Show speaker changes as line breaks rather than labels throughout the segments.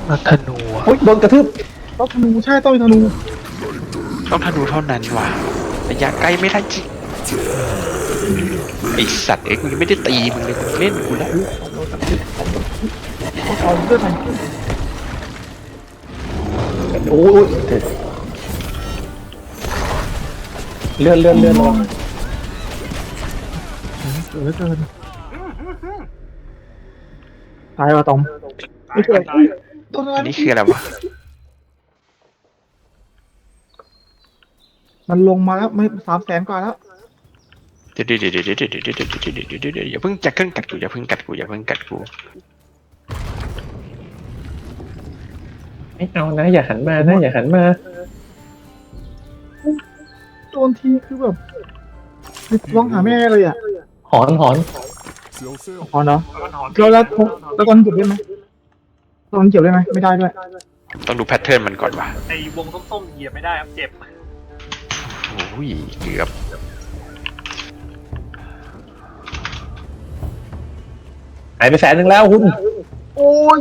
นักธนูอะ
โอ้ยโดนกระทืบ
ต้องธนูใช่ต้องมีธนู
ต้องธนูเท่านั้นว่ะระยะใกล้ไม่ได้จริงไอสัตว์กูยังไม่ได้ตีมึงเลยมึงเล่นกูแล้ว
ต้องเอาเลือดไป
โอ้ยเลื่อนระวัง
เหลือเกินตายว่ะตอมไม่เกิดต้นอะไร
อันนี้คืออะไรวะ
มันลงมาแล้วไม่300,000 กว่าแล้ว
เดี๋ยวอย่าเพิ่งจะเครื่องกัดกูอย่าเพิ่งกัดกูอย่าเพิ่งกัดกู
ไม่เอานะอย่าหันมานะอย่าหันมา
โดนทีคือแบบร้องหาแม่เลยอ่ะ
หอน
อ๋อเนาะแล้วตอนเก็บได้ไหมตอนเก็บได้ไหมไม่ได้ด้วย
ต้องดูแพทเทิร์นมันก่อนว่ะ
ไอ้วงส้มๆเหยียบไม่ได้ครับเจ็บ
โอ้ยเกือบ
หายไป100,000แล้วคุณ
โอ้ย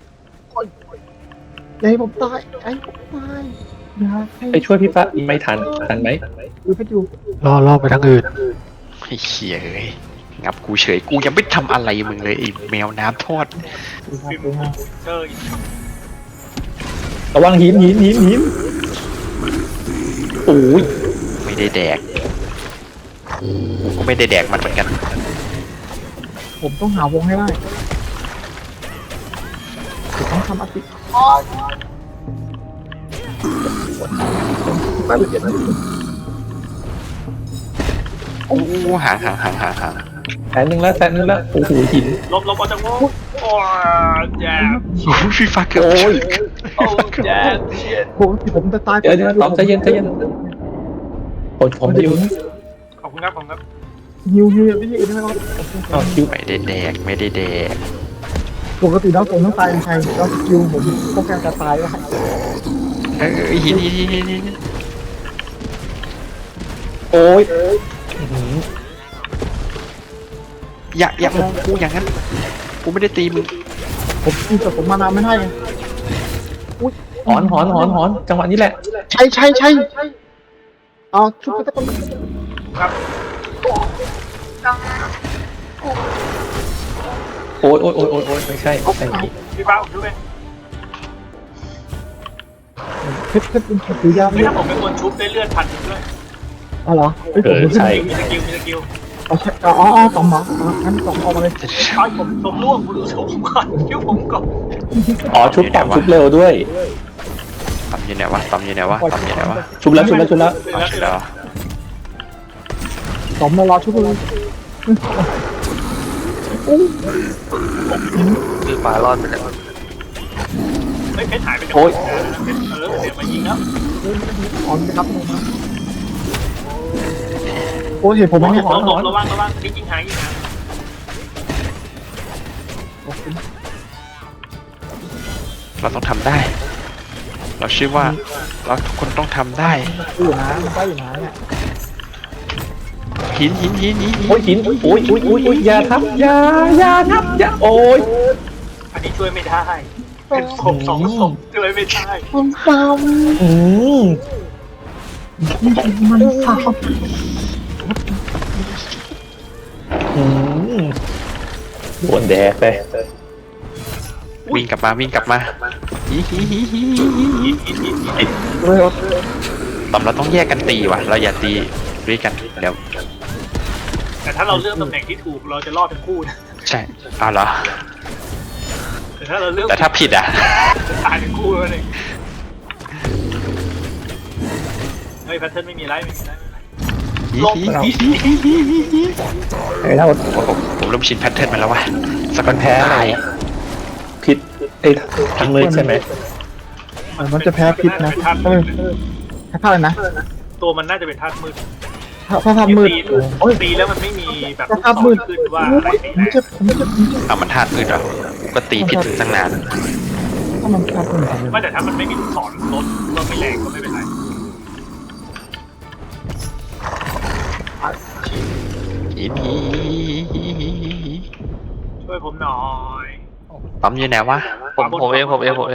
อย่าให้ผมตายอย่าให้ผมตายอย่าให้
ไปช่วยพี่ปะไม่ทันไหม
ดูเพชรอยู่
ล่อไปทางอื่นไอ้เหี้ยเอ้ยงับกูเฉยกูยังไม่ทำอะไรมึงเลยไอ้แมวน้ำทอด
ฟิล์มเจออีก
ระวังหินโอ้ย
ไม่ได้แดกกูก็ไม่ได้แดกมันเหมือนกัน
ผมต้องหาวงให้ได้ผมต้องทำอติ
โอ้ห่าง
100,000แล้วโอ้โหหิน
ลบเอาจังโว้โอ้แย่
โอ้ยฟีฟ้าเกือบ
โอ้ย
โอ้แย่เชียด
ผมจะตาย
เดี๋ยวตอมใจเย็นผมจะอยู่
ขอบคุณครับผมครับ
ฮิวไม่ใช่อื่นได้ไหมครับ
อ้าวคิว
ไม่ได้แดก
ปกติแล้วผมต้องตายเป็นใครแล้วฮิวผมป้องกันการตายได้
หิน
โอ้ย
อย่ามองกูอย่างนั้นกูไม่ได้ตีมึง
ผมตีแต่ผมมานานไม่ได้ไง
หอนจังหวะนี้แหละ
ใช่เอาชุบไปตะกอน
ครับ
โอ้ยไม่ใช่
พี่ฟ้าผมช่วย
เพชรเป็นถือยาว
ไม่ถ้าผมเป็นคนชุบได้เลือดพันด้วย
อ๋อเหรอผม
ใช่
มีสกิล
อ๋อต่อมหมางั้นต่อมออกมาเลย
ตอนผมล่วงผมดูผมก่อนคิ้วผมก่อน
อ๋อชุบเร็วด้วย
ตำอยู่ไหนวะ
ชุบแล้ว
เอาเสร็จแล้ว
ต่อมมารอชุบเลย
คือปลารอดไปแล้ว
ไม่เพชรหายไปจาก
โอ้ย
เพชรเดี๋ยวมายิงแล้ว
อ๋อจะครับโอ้เห็นผมไหมเนี่ย
ระวังนี่ยิงหาง
เราต้องทำได้ เราเชื่อว่าเราทุกคนต้องทำได้
อยู่นะมันก็อยู่นะเนี่ย
หิน
โอ้ยหินโอ้ยอย่าทับอย่าโอ้ย
อันนี้ช่วยไม่ได้เป็นศพ2 ศพช่วยไม่ได้
มันซ้
อืม
ำมันซ้
โดนแดกไป
วิ่งกลับมาฮิ
ำเลย
ตำเราต้องแยกกันตีว่ะ เราอย่าตีด้วยกันเดี๋ยว
แต่ถ้าเราเลือกตำแหน่งที่ถูกเราจะรอดทั้งคู่นะ
ใช่เอาเหรอ
แต่ถ้าเราเลือก
แต่ถ้าผิดอ่ะ
จะตายทั้งคู่แล้วเลยเฮ้ยแพทเทิร์นไม่มีไร
ไอ้เรา
ผมเริ่มชินแพทเทิร์นมาแล้วว่ะสกอต
แพ้อะไร
ตาย
ผิดไอ้ทั้งมือใช่ไหม
มันจะแพ้พิษนะแพ้อะไรนะ
ตัวมันน่าจะเป็นธาตุมืด
ถ้าทำมืดโอ้ย
ตีแล้วมันไม่มีแบบ
ถ้าทำมืด
ขึ้นว่าอะไรตี
ผมเจ็บ
เอามันธาตุอื่นเหรอก็ตีผิดตั้งนาน
ถ้ามันทำมืด
ไม่แต่ถ้ามันไม่มีลูกศรลดก็ไม่แรงก็ไม่เป็นไร
หิน
ช่วยผมหน่อย
ปั๊มอยู่ไหนวะ
ผมเอง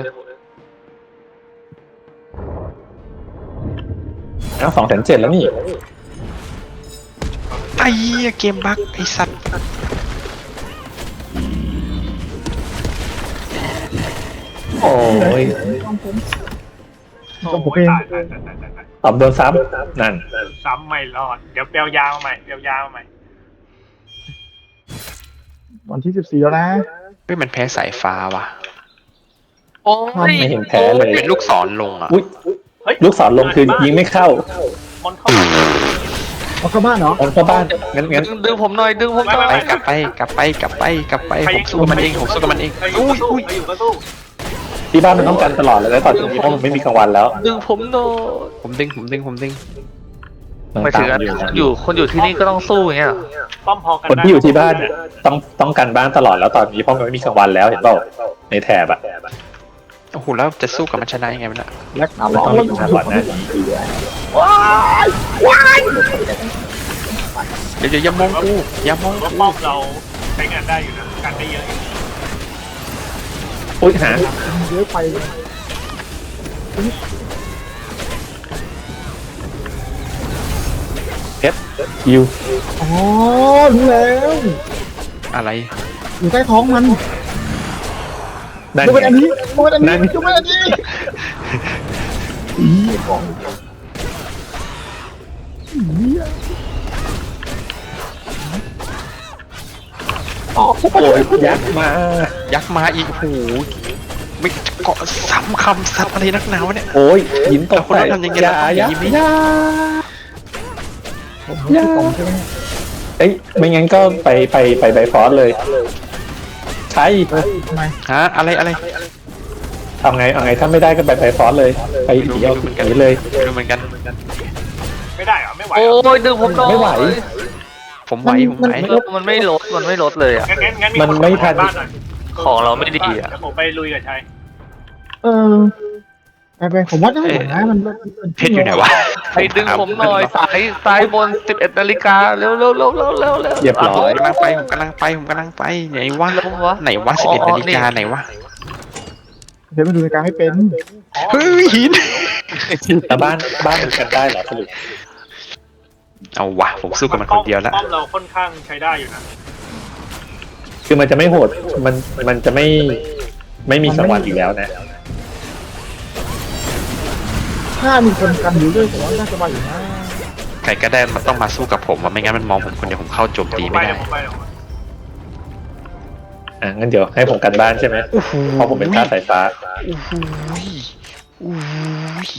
แล้ว2,700,000แล้วนี่
ไอ้เหี้ยเกมบั๊กไอ้สัตว์
โอ้ย
ต้องผมเอง
ตาย
ตอบโดนซ้ำนั่น
ซ้ำไม่รอดเดี๋ยวเปลยาวมาใหม่เปลยาวมาใหม่
วันที่14แล้วนะ
เฮ้ยมันแพ้สายฟ้าว่ะ
โอ้ย
ไม่เห็นแพ้เลย
เป็นลูกศรลงอ่ะ
อุ้ย
เฮ้ย
ลูกศรลงคือยิงไม่เข้า
มันเข้า
เอาเข้าบ้านเหรอ
ออกเข้าบ้านงั้น
ดึงผมหน่อยดึงผมหน่อย
ไปกลับไปผมสู้กับมันเองอุ้ย
อยู่ก็สู้
ที่บ้านมันต้องกันตลอดเลยแล้วตอนนี้เพราะมันไม่มีกลางวันแล้ว
ดึงผมหน่อย
ผมดึง
มัน
หมาย
ตา
ถึ
ม
ง
อยู่
อยู่คนอยู่ที่นี่ก็ต้องสู้อย่างเงี้ย
ป้อมพอกัน
คนที่อยู่ที่บ้านเนี่ยต้องกันบ้านตลอดแล้วตอนนี้เพราะมันไม่มีกลางวันแล้วเห็นเปล่าในแถบอะ
โอ้โหแล้วจะสู้กับมันชนะยังไงมันอ่ะ
แล็ก
มันต้องมีกลางวันนะ
เดี๋ยวอย่ามองกูอย่ามอง
ว่า
กู
ป้อมเราใช้งานได้อยู่นะกันได้เยอะอยู่
อุ้ยหา
เยอะไปเลย
เพชรคิว
อ๋อรู้แล้ว
อะไร
อยู่ใต้ท้องมัน
นั่น
ดูเป็นอัน
ไง
นี้ดูเป็นอัน
นั่
นี้
น
ดูเป็นอันนี้กล่องอ๋อ
โอ้ยยักษ์มา
ยักษ์มาอีกโอ้โหไม่เกาะซ้ำคำสัตว์อะไรนักหนาวะเนี่ย
โอ้ยหินตก
คนเราทำยังไง
อย่า
เราต้อง
อย่า
หนีไหม
อย่า
ผมรู้ที่กล่องใช่ไหม
เอ้ยไม่งั้นก็ไปไบฟอสเลยใช่
ทำไม
ฮะอะไร
เอาไงถ้าไม่ได้ก็ไปไบฟอสเลยไปหนีเอาหนีเลย
ไม่รู้เหมือนกัน
ไม่ได้เหรอไม่ไหว
โอ้ยดึงผมหน่อย
ไม่ไหว
ผมไหว
มันไม่ลดเลยอ่ะ
งั้น
มันไม่ทัน
บ้านหน่อย
ของเราไม่ดีอ่ะ
เดี๋ยวผมไปลุยกับชัย
ไปผมว่าได้หมดนะมัน
เพชรอยู่ไหนวะ
ให้ดึงผมหน่อยสายบน11 นาฬิกาเร็ว
เรียบร้อย
ผมกำลังไปไหนวะไหนวะ11 นาฬิกาไหนวะ
เดี๋ยวมาดูในการไม่เป็น
เฮ้ยหิน
แต่บ้านมันกันได้เหรอสรุป
เอาวะผมสู้กับมันคนเดียวแล้ว
ป้อมเราค่อนข้างใช้ได้อยู่นะ
คือมันจะไม่โหดมันจะไม่มีกลางวันอีกแล้วนะ
ถ้ามีคนกันอยู่ด้วยผมว่าน่าจะมาอยู่นะ
ใครก็ได้มันต้องมาสู้กับผมว่ะไม่งั้นมันมองผมคนเดียวผมเข้าโจมตีไม่ได้
ผมไป
งั้นเดี๋ยวให้ผมกันบ้านใช่ไหมเพราะผมเป็นท่าสายฟ้า
อุ้ย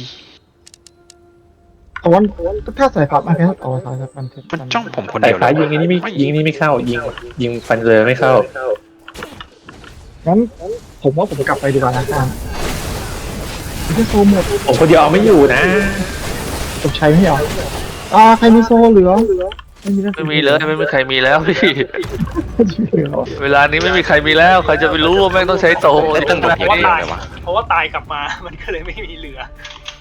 แต่ว่าถ้าใส่ฝับมาแค่ต่อสายสับมัน
มันจ้องผมคน
สา
เดี
ย
ยว
ฟ้ายิงนี่ไม่เข้ายิงฟันเลยไม่เข้า
งั้นผมว่าผมกลับไปดีกว่านะการไม่ใช่โซหมด
ผมคนเดียวเอาไม่อยู่นะ
จบชัยไม่เหรอใครมีโซเหลือไม่มี
ไม่มีเลยไม่มีใครมีแล้วพี่
เหลือ
เวลานี้ไม่มีใครมีแล้วใครจะไปรู้ว่าแม่งต้องใช้โต
ไม่ต้องผมอย่างเดียวเลยวะ
เพราะว่าตายกลับมา มันก็เลยไม่มีเหลือ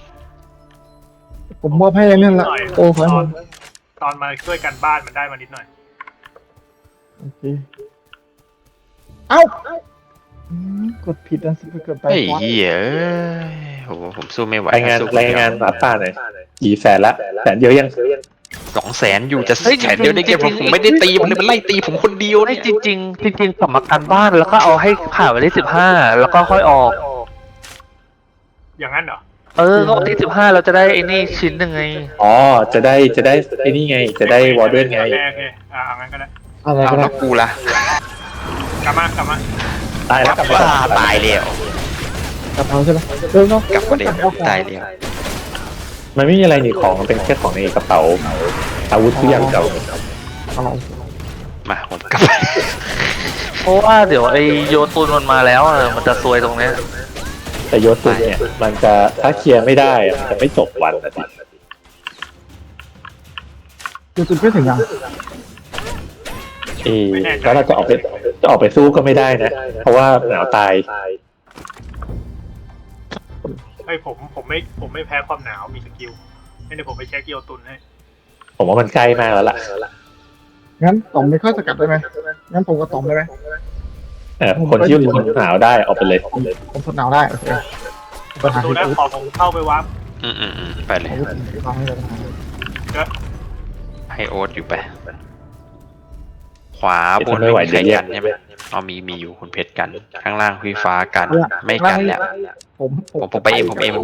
ผมมอบให้นั่นแหละโตขอให้มัน
ตอนมาช่วยกันบ้านมันได้มานิดหน่อย
โอเคเอ้ากดผิดอันสิเกิดไป
ไอ้เหี้ยโอ้โหผมสู้ไม่ไหว
รายงานหมาป่าหน่อยกี่แสนละแสนเดียวยัง
200,000อยู่จะแสนเดียวได้ไงผมไม่ได้ตีมันเลยมันไล่ตีผมคนเดียว
ให้
เนี่ย
จริงสมการบ้านแล้วก็เอาให้ผ่านวันที่15แล้วก็ค่อยออก
อย่างนั้นเหรอ
ก็วันที่15เราจะได้ไอ้นี่ชิ้นหนึ่งไง
อ๋อจะได้ไอ้นี่ไงจะได้วอร์เดนไง
โอเคเอางั้นก็ได้
อะไร
เอา
ก็ได้
แล้วกูล่ะ
กลับมา
ตายแล้วกลับ
บ้า
มา
ตายแล้ว
กลับเอาใช่ไหมเนาะ
กลับมาเดียวตายแล้ว
มันไม่มีอะไรหนีของมันเป็นแค่ของในกระเป๋าอาวุธทุกอย่างเก่า
อะไร
มาผมกลับไป
เพราะว่าเดี๋ยวไอ้โยตุนมันมาแล้วมันจะซวยตรงเนี้ย
แต่ยศตุนเนี่ยมันจะถ้าเคลียร์ไม่ได้มันจะไม่จบวันนะสิ
คือจุดไม่ถึงยัง
แล้วเราจะออกไปสู้ก็ไม่ได้นะ เพราะว่าหนาวตาย
ผมไม่แพ้ความหนาวมีสกิลให้เดี๋ยวผมไปเช็คโยตุนให้
ผมว่ามันใกล้มากแล้วล่ะ
งั้นต่อมไม่ค่อยสกัดได้ไหมงั้นผมก็ต่อมได้ไหม
คนที่ทนหนาวได้ออกไปเลย
ผมทนหนาวได้โอเคปัญหา
ดู
ที่
นะ
พูด
ขอผมเข้าไปวับ
ไปเลย
ฟังให้เลย
ให้โอ๊ตอยู่ไป ขวาบน
ไม่ไหว
ใคร
เดี๋ยว
กันใช่ไหมเอามีอยู่คุณเพชรกัน ข้างล่างพี่ฟ้ากัน ไม่กันแล้ว ผมไปเองผมไปเอง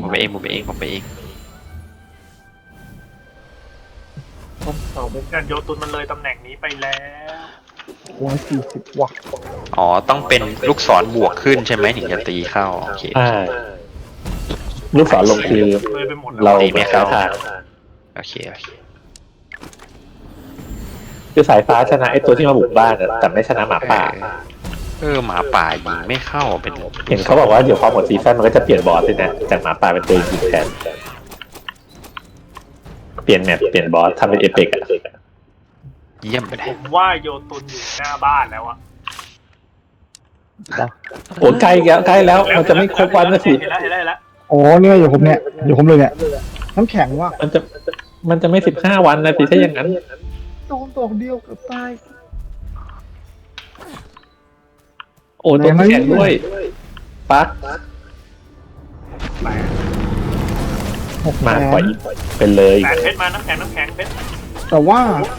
การโยตุนมันเลยตำแหน่งนี้ไปแล้ว
140 วัตต์
อ๋อ ต้องเป็นลูกศรบวกขึ้นใช่ไหมถึงจะตีเข้า โอเค
ลูกศรลงคือ
เลยไปหมดแล้ว
เรา
ตีไม่
ไม่
เข้า
เข้าทาง
โอเค
คือสายฟ้าชนะไอ้ตัวที่มาบุกบ้านอะแต่ไม่ชนะหมาป่า
หมาป่ายิงไม่เข้าเป็น
เห็นเขาบอกว่าเดี๋ยวพอหมดซีซั่นมันก็จะเปลี่ยนบอสเลยนะจากหมาป่าเป็นตัวยิงแทนเปลี่ยนแมปเปลี่ยนบอสทำเป็นเอเปกอะ
เยี่ยมไปเล
ผ
ย
มว่าโยตุนอยู่หน้าบ้านแล้วอะ
โอ้ใกล้แล้วมันจะไม่ครบวันนะสิ
เห็นแล้ว
โอ้เนี่ยอยู่ผมเลยเนี่ยน้ำแข็งว่ะ
มันจะไม่15 วันนะสิถ้าอย่างนั้น
โดนตกเดียวเกือบตาย
โอ้ตัวแข็งด้วยปักมาปล่อยเป็นเลย
แปดเพชรมาน้ำแข็งเพชร
แต่ว่า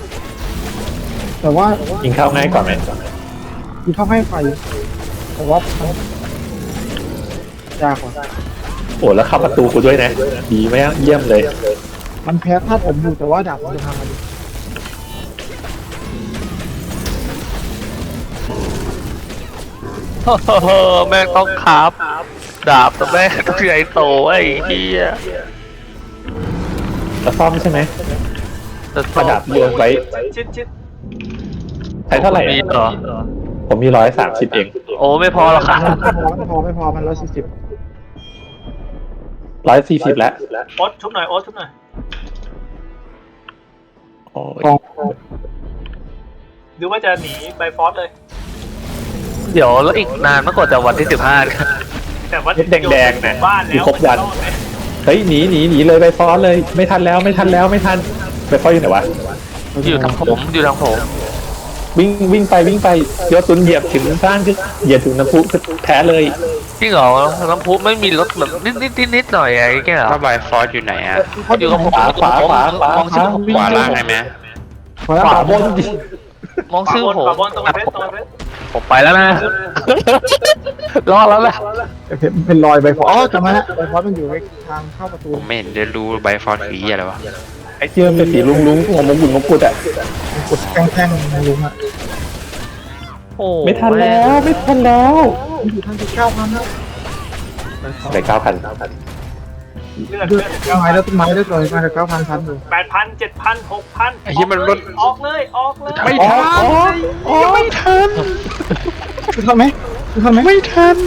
ยิงเข้าง่ายกว่าไหม
ที่เขาให้ไฟแต่ว่ามันยากกว่า
โอ้แล้วเข้าประตูกูด้วยนะดีไหมากเยี่ยมเลย
มันแพ้ธาตุผมอยู่แต่ว่าดาบมันจะทำอะไร
แม่งต้องครับดาบแต่แม่งต้องใหญ่โตไอ้เหี้ย
จะซ่อมใช่ไหม
จะ
ประดับโยนไว้
ชิด
ใช้เท่าไหร่
มี
อะ
เหรอ
ผมมี130เอง
โอ้ไม่พอหรอกครับ
ไม่พอมัน140
140แล้ว
โอ๊ตชุบหน่อย
โอ้ย
กอง
หรือว่าจะหนีไปฟอสเลย
เดี๋ยวแล้วอีกนานเมื่อก่อนจะวันที่15
แต่ว่า
แดงๆนะ
บ้าน
มี
แล้ว
ครบวันเฮ้ยหนีเลยไปฟอสเลยไม่ทันแล้วไปฟอสอยู่ไหนวะ
อยู่ทางผม
วิ่งไปโยตุนเหยียบถึงบ้านคือเหยียบถึงน้ำพุคือแพ้เลย
จริงเหรอน้ำพุไม่มีรถแบบนิดหน่อยไอ้แกเหรอ
ถ้าบายฟอสอยู่ไหนอะ
อยู่กับผม
ขวาม
องชื่อผม
ขวาล่างได้ไหม
ขวาบนดิ
มองชื่อผม
ขวาบนตรงเพชร
ผมไปแล้วนะรอแล้วแหละ
เป็นรอยใบฟอสจำไว้นะใบฟอสมันอยู่ทางเข้าประตู
ผมไม่เห็นได้รู้บายฟอสคืออะไรวะ
ไอ้เชื่อมเป็นสีลุงงงมงกุฎอ่ะ
กดแท่งๆลุงอ่ะ
โอ้
ไม่ทันแล้ว
มันอยู่ทางที่9,000แล้ว
ได้9,000
เลือด
ต้นไม้แล้วตัวมาจาก9,000พันอยู่
8,000 7,000 6,000
ไอ้ที่มันลด
ออกเลย
ไม่ทันไม่ทัน
คือทำไหม
ไม่ทัน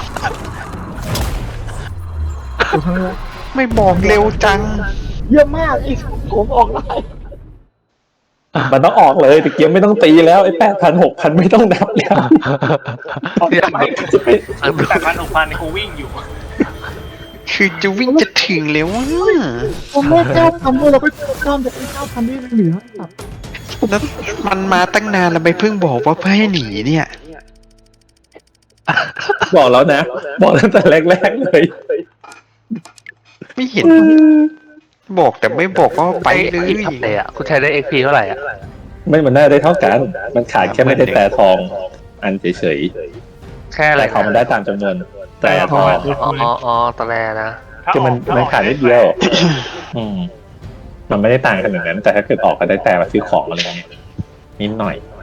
คือทำไหม
ไม่บอกเร็วจัง
เยอะมากอีกผมออกได้
มันต้องออกเลยตะเกียบไม่ต้องตีแล้วไอ้8,000 6,000ไม่ต้องนับแล้ว
8,000 6,000ในกูวิ่งอยู่
คือจะวิ่งจะถึงแล้วว่ะ
ผมไม่9,000ด้วยเราไปข้ามจาก9,000ที่เหลือครับ
แล้วมันมาตั้งนานแล้วไม่เพิ่งบอกว่าเพื่อให้หนีเนี่ย
บอกแล้วนะบอกตั้งแต่แรกๆเลย
ไม่เห็น บอกแต่ไม่บอกว่าไปเลย
ทำเลยอ่ะคุณใช้ได้ XP เท่าไหร่อ่ะ
ไม่มันน่าได้เท่ากัน มันขาดแค่ไม่ได้แต่ทองอันเฉย
แค่
ๆ
อะไร
แต่ของมันได้ตามจำนวนแต่ทอง
อ๋อตะแลนะ
คือมันขาดนิดเดียว มันไม่ได้ต่างกันอย่างนั้น แต่ถ้าเกิดออกก็ได้แต่มาซื้อของอะไรเงี้ยนิดหน่อย